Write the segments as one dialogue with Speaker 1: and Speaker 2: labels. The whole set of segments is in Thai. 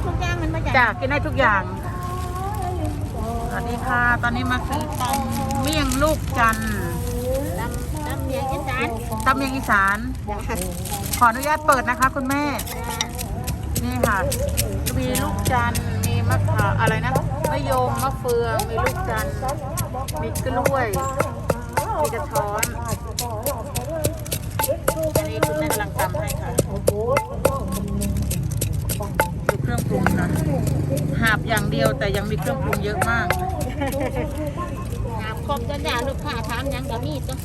Speaker 1: ทุกอย่างมันมาจาก
Speaker 2: จ้ะกินได้ทุกอย่างสวัสดีค่ะตอนนี้มาซื้อตำเมี่ยงลูกจันทร์
Speaker 1: ตำเมียงอีสาน
Speaker 2: ตำเมี่ยงอีสานขออนุญาตเปิดนะคะคุณแม่นี่ค่ะมีลูกจันทร์มีมะขามอะไรนะมะยมมะเฟืองมีลูกจันทร์มีกล้วยมีกระท้อนอันนี้คุณแม่กำลังตำให้ค่ะดูเครื่องปรุงนะหาบอย่างเดียวแต่ยังมีเครื่องปรุงเยอะมาก
Speaker 1: ครบจนอย่างลูกค้าถามยังก็มีตัว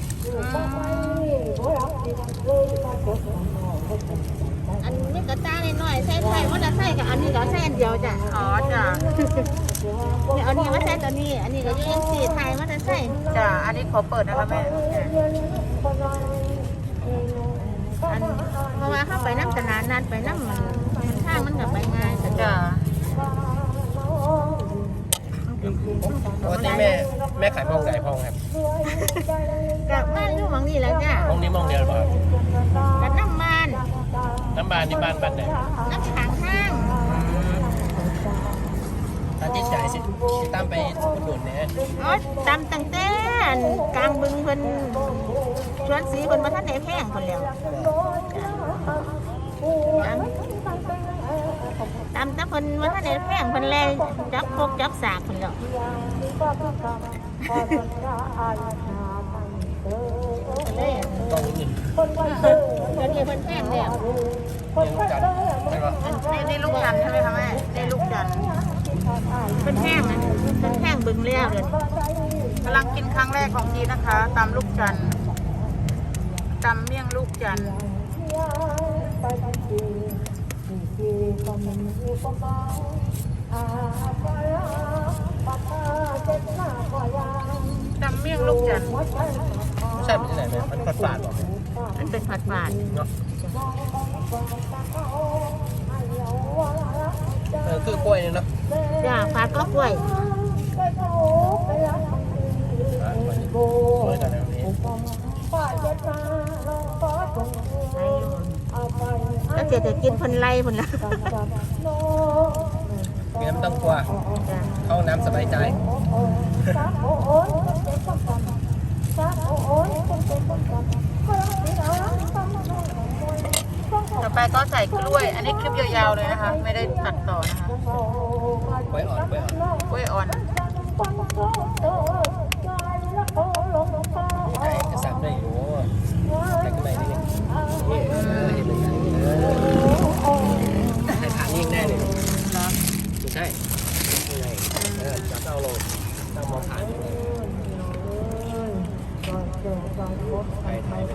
Speaker 1: อันนี้กระต้าหน่อยใส่ไทยว่าจะใส่กับอันนี้ก็ใส่อันเดียวจ้ะ
Speaker 2: อ๋อจ้ะ
Speaker 1: เนี่ยอันนี้ว่าใส่ตัวนี้อันนี้ก็ยังสีไทยว่าจะใส่
Speaker 2: จ้ะอันนี้ขอเปิดนะคะแม่
Speaker 1: อันเพราะว่าเข้าไปน้ำตนานนานไปน้ำมันทางมันกับไปง่ายแต่
Speaker 2: จ้ะ
Speaker 3: ปกติแม่ขายมองไหนพองครับ
Speaker 1: กับบ้านอยู่หวังนี่แหละจ้ะ
Speaker 3: มองนี้มองเดียวหรือเปล่า
Speaker 1: กับน้ำมัน
Speaker 3: น้ำบานนี่บ้านไหน
Speaker 1: น้ำขังห้าง
Speaker 3: ตาที่จ่ายสิตามไปอุดหนุนเนี่ย
Speaker 1: อ๋อตำตั้งแต่กลางบึงเพิ่นชวนสีเพิ่นมาท่านไหนแพงคนแล้วตำแต่เพิ่นมาท่านไหนแพงเพิ่นเลยจับพกจับสากเพิ่นแล้วเลย
Speaker 3: ต้องอื่น
Speaker 1: เดี๋ยวนี้เพิ่นแพงแล้ว
Speaker 3: ยังรู้จักใช่ปะ
Speaker 2: นี่ลูกจันทร์ใช่ไหมคะแม่นี่ลูกจันทร์
Speaker 1: เพิ่นแพงนะเพิ่นแพงบึงแล้วเดี๋ยวนี้
Speaker 2: กำลังกินครั้งแรกของทีนะคะตำลูกจันทร์ตำเมี่ยงลูกจันทร์ตำเมี่ยงลูกจันทร์
Speaker 3: ไม่ใช่เป็นที่ไหนไหมมันฝาดๆหรอ
Speaker 1: มันเป็นผัดหวาน
Speaker 3: เนาะคือกล้วยเนี่ยเนาะ
Speaker 1: จ้าผัดก็กล้วย
Speaker 3: สวยกันนะนี้
Speaker 1: แล้วเดี๋ยวจะกินเพิ่นไล่เพิ่นละ
Speaker 3: มีน้ำต้องกลัวเข้าน้ำสบายใจ
Speaker 2: ต่อไปก็ใส่กล้วย อันนี้คลิปยาวๆเลยนะคะ ไม่ได้ตัดต่อนะคะ
Speaker 3: กล้วยอ่อนกล้วยอ่อน
Speaker 2: กล้วยอ่อน
Speaker 3: ใจกระสับได้อยู่แต่ก็ไม่ได้เนี่ยเห็นเลยใส่ฐานยิ่งแน่เลย
Speaker 2: เหรอ
Speaker 3: ไม่ใช่ยังไงจับเอาลงตั้งมองฐานยังไงไป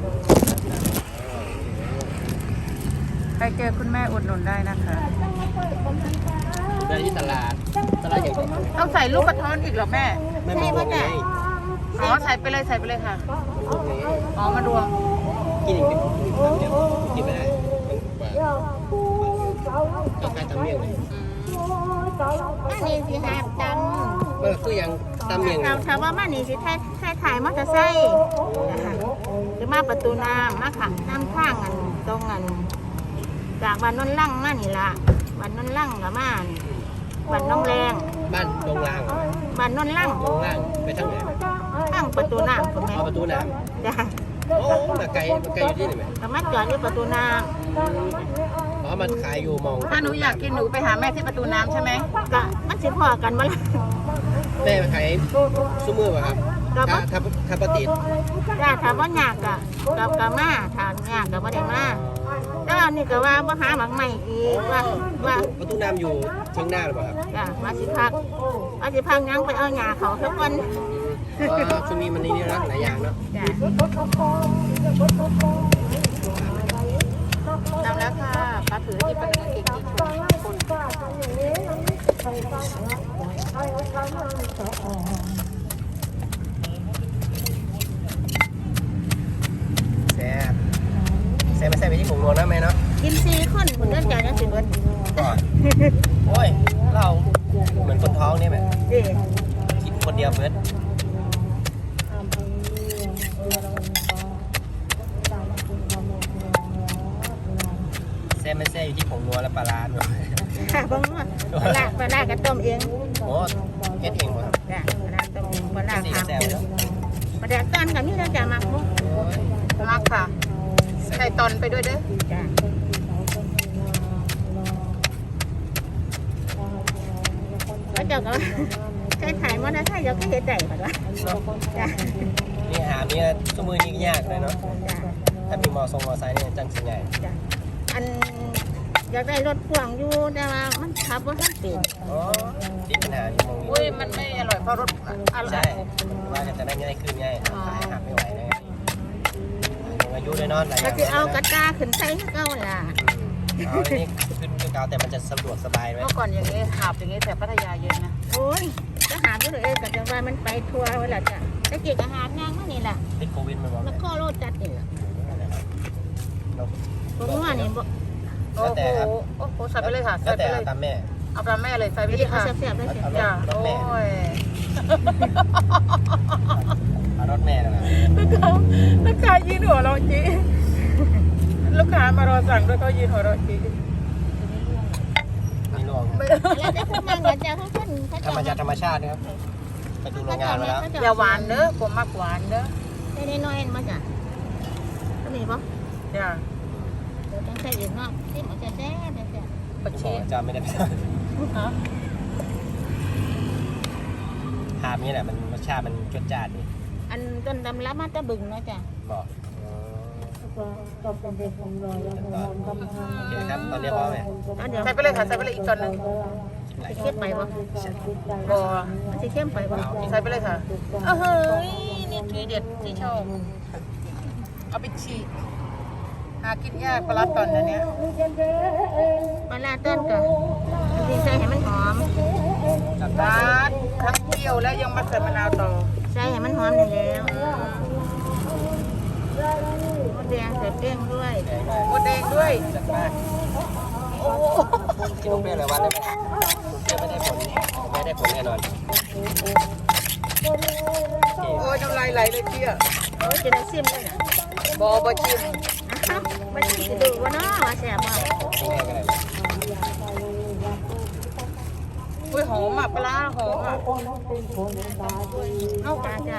Speaker 2: ใครเจอคุณแม่อุดหนุนได้นะคะ
Speaker 3: ได้ที่ตลาดใหญ่
Speaker 2: ต้องใส่ลูกกระท้อนอีกเหรอแม่
Speaker 3: ไม่มองไง
Speaker 2: อ๋อใส่ไปเลยค่ะ อ๋อมารวม
Speaker 3: กินอีกนิดเดียวกินไม่ได้ก็ใกล้ตำเมี่ยงเลย
Speaker 1: อันนี้สิหาบต
Speaker 3: คือยังตำเมี่ยง
Speaker 1: ำถามว่ามานี่สิถ่ายมอเตอร์ไซค์หรือมาประตูน้ำมาขังน้ำข้างอันตรงอันจากบ้านนนลั่งมานี่ละบ้านนนลั่งกับมาบ้านน้องแรง
Speaker 3: บ้านตรงล่าง
Speaker 1: บ้านนนลั่ง
Speaker 3: ตรงล่างไปทางไหน
Speaker 1: ข้างประตูน้ำคุณแม่
Speaker 3: เอาประตูน้
Speaker 1: จ้ะ
Speaker 3: ำโอ้มาไกลอยู่ที่ไหนไหม
Speaker 1: ก็มาจอดที่ประตูน้
Speaker 3: อ๋อมันขายอยู่มอง
Speaker 2: ถ้าหนูอยากกินหนูไปหาแม่ที่ประตูน้ำใช่ไหม
Speaker 1: ำก็มันสิพอกันมาละ
Speaker 3: แม่ขายซุ้มมือป่ะครับ
Speaker 1: ก็บ่
Speaker 3: ถ้าปฏิทิน
Speaker 1: จ้าถามว่ายากกับมาถามยากกับว่าได้มาแต่ว่านี่ก็ว่าหาหมักใหม่อีกว่า
Speaker 3: ประตูน้ำอยู่เชียงหน้าหรือเปล่าครับ
Speaker 1: จ้ามาสิพักยังไปเอาหญ้าเขาทุกวัน
Speaker 3: ช่วงนี้มันนี่นะหลายอย่างเนาะ
Speaker 1: จ้า
Speaker 2: นำแล้วค่ะปลาถือที่ปลาถือเก่งที่สุด
Speaker 3: แซ่บไม่ใส่ไปที่ผงนัวนะแม่เนาะ
Speaker 1: กิน4 คนคนเดินจ่ายจะสิเบิด
Speaker 3: ก่อนโอ้ยเราเหมือนคนท้องเนี่ยแบบ
Speaker 1: เด้
Speaker 3: กินคนเดียวเบิร์ดแซ่ไม่แซ่อยู่ที่ผงนัวแล้วปลาร้าด้วย
Speaker 1: ค่ะบางว่าปลาร้ากระต้มเอง
Speaker 3: โอ้เฮ็ดเองหมดครับ
Speaker 1: จ้ะปลาร้าต้มเองปลาร้า
Speaker 3: สี
Speaker 1: ทำ
Speaker 3: แซ่บ
Speaker 1: เอง
Speaker 3: เนาะ
Speaker 1: ปลาแดกต้นกับนี่เราจะมักมุก
Speaker 2: มักค่ะใส่ตอนไปด้วยเด้อ
Speaker 1: จ้ะแล้วเจ้าก็ใช้ถ่ายมอเตอร์ไซค์เจ้าก็เฮ็ดได้ป่ะวะจ้ะ
Speaker 3: นี่หามีสมือยิ่งยากเลยเนาะ
Speaker 1: จ้ะ
Speaker 3: ถ้ามีมอไซค์เนี่ยจังสิใหญ่
Speaker 1: จ้ะอันอยากได้รถพ่วงอยู่แต่ว่ามันขับบ่ทันเป็น
Speaker 3: อ๋อติดปัญหาอยู่มอง
Speaker 2: อุ้ยมันไม่อร่อยเพราะรสอร่
Speaker 3: ใช่
Speaker 2: อย
Speaker 3: ว่าจะได้ง่ายขึ้นง่ายขายหักไม่ไหวนะอายุด้วยเนาะหลายอ
Speaker 1: ก็
Speaker 3: ย่าง
Speaker 1: สิเอากระตาขึ้นใส่ให้เก่าล่ะ
Speaker 3: เอาอันนี้ขึ้นเก่าแต่มันจะสะดวกสบายไหม
Speaker 2: เมื่อก่อนอย่างนี้หาบอย่างนี้แต่พัทยาเยอะนะ
Speaker 1: โอ้ยจะหาอยู่เลยก็จะว่ามันไปทัวร์เวลาจ้ะตะเกียกอาหารนางมานี่ล่ะ
Speaker 3: ติดโควิดมันบอก
Speaker 1: แล้วก็โลดจัดนี่ล่ะ
Speaker 3: เรา
Speaker 1: ผมว่านี่บ่
Speaker 2: โอ้โหโอ้โหใส่ไปเลยค่ะ
Speaker 3: แล้
Speaker 2: ใส่
Speaker 3: ว
Speaker 2: ไป
Speaker 3: แต่
Speaker 2: เลย
Speaker 3: ตามแม่
Speaker 2: เอาปลาแม่เลยใส่ไป
Speaker 1: ไม่
Speaker 2: เล
Speaker 1: ได้
Speaker 2: ย
Speaker 1: เอา
Speaker 2: ค่ะ
Speaker 1: แซ่บๆเลยสิ
Speaker 2: จ้ะโอ้ย
Speaker 3: เอารถแม่นะ
Speaker 2: ลูกค้ายืนหัวเราะจีลูกค้ามารอสั่งด้วยเขายืนหัวเราะจี
Speaker 3: มีรวง
Speaker 1: แล้วจะพูดมาเหมือนจะเขาคนเขา
Speaker 3: ธรรมชาติธรรมชาตินะครับไปดูโรงงานมาแล้ว
Speaker 2: อย่าหวานเด้อผมมักหวานเด้อ
Speaker 1: ได้น้อยๆมาจ้ะก็มีบ่
Speaker 2: จ้ะ
Speaker 1: เดี๋ยวต้องใส่อีกเนาะที่มันจะแซ่บๆจ้ะ
Speaker 2: ปัก
Speaker 3: บอ
Speaker 2: ชี
Speaker 3: กจำไม่ได้
Speaker 2: ฮะ
Speaker 3: หาบนี่แหละมันรสชาติมันจดจ้านดี
Speaker 1: อันต้นดำรับมาตะบึงเนาะจ้ะ
Speaker 3: บอกโอเคครับตอนนี้พอไหม
Speaker 1: เอาเดี๋ยว
Speaker 2: ใส่ไปเลยค่ะใส่ไปเลยอีกตอนหนึง
Speaker 1: สิเข้มไปบ่
Speaker 2: บอ
Speaker 1: มันสิเข้มไปบ่
Speaker 2: ใส่ไปเลยค่ะเออเฮ้ยนี่ทีเด็ดที่ชอบเอาไปฉีกหากินยากปลาร้าตอนนั้นเนี้ย
Speaker 1: ปลาร้าต้นก็สิใส่ให้มันหอม
Speaker 3: จัด
Speaker 2: ร้านทั้งเที่ยวแล้วยังมาใส่มะนาวต่อ
Speaker 1: ใส่ให้มันหอมนี่แล้วมดแดงใส่แป้งด้วย
Speaker 2: หมดแดงด้วย
Speaker 3: จัดมา
Speaker 2: โอ้โห
Speaker 3: กินลูกเปรี้ยวเลยวันได้ไหมลูกเปรี้ยวไม่ได้ผลไม่ได้ผลแน่นอน
Speaker 2: โอ้ยน้ำลายไหลเลยเที่ย
Speaker 1: โอ้ยจะได้ซิมเลยน่ะ
Speaker 2: บอบอชิม
Speaker 1: อ้าวมันสิดูว่าเนาะว่าแซ่บบ่
Speaker 3: กินง่ายก็ได้
Speaker 2: อุ้ยหอมอ่ะปลาร้าหอมอ่ะ
Speaker 1: เอาจ้าจ้า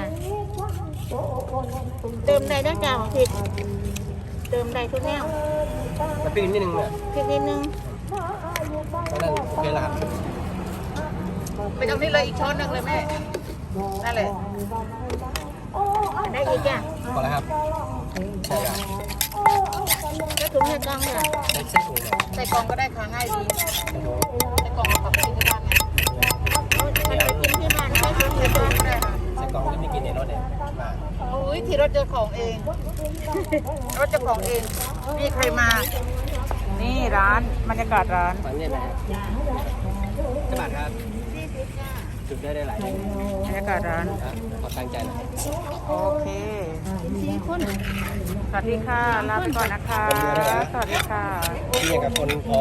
Speaker 1: เติมได้ด้วยจ้าพริกเติมได้ทุกแนว
Speaker 3: มาปีนนิดนึงเนี่ย
Speaker 1: พริกนิดนึง
Speaker 3: ตอนนั้นโอเคแล้วครับ
Speaker 2: ไปตรงนี้เลยอีกช้อนหนึงเลยแม่นั่นแหละ
Speaker 1: อันได้อีกจ้ะ
Speaker 3: พอแล้วครับใช่ครับ
Speaker 1: ก็ถุงให้กล้องจ้ะ
Speaker 3: ใช้เส้นถุงเนี่ย
Speaker 2: ใส่กล่องก็ได้ค่ะง่ายดีใส่กล่องเอากลับไปกินที่บ้านเนี่ย
Speaker 1: เอาไปกินที่บ้านใช้ถุงให้กล้อง
Speaker 2: ก็ได้ค่ะ
Speaker 3: ใส่กล่องที่ไม่กินในรถเนี่ยมา
Speaker 2: อุ้ยที่รถเจ้าของเอง รถเจ้าของเองนี่ใครมา นี่ร้านบรรยากาศร้าน
Speaker 3: ฟังเนี่ยนะจะบาทครับ
Speaker 1: 40จ้ะ
Speaker 3: จุดได้หลาย
Speaker 2: บรรยากาศร้าน
Speaker 3: นะขอตั้งใจนะ
Speaker 2: โอเค
Speaker 1: 4คน
Speaker 2: สวัสดีค่ะ ลาไปก่อนนะคะ สวัสดีค่ะ
Speaker 3: ที่อย่างกับคนพอ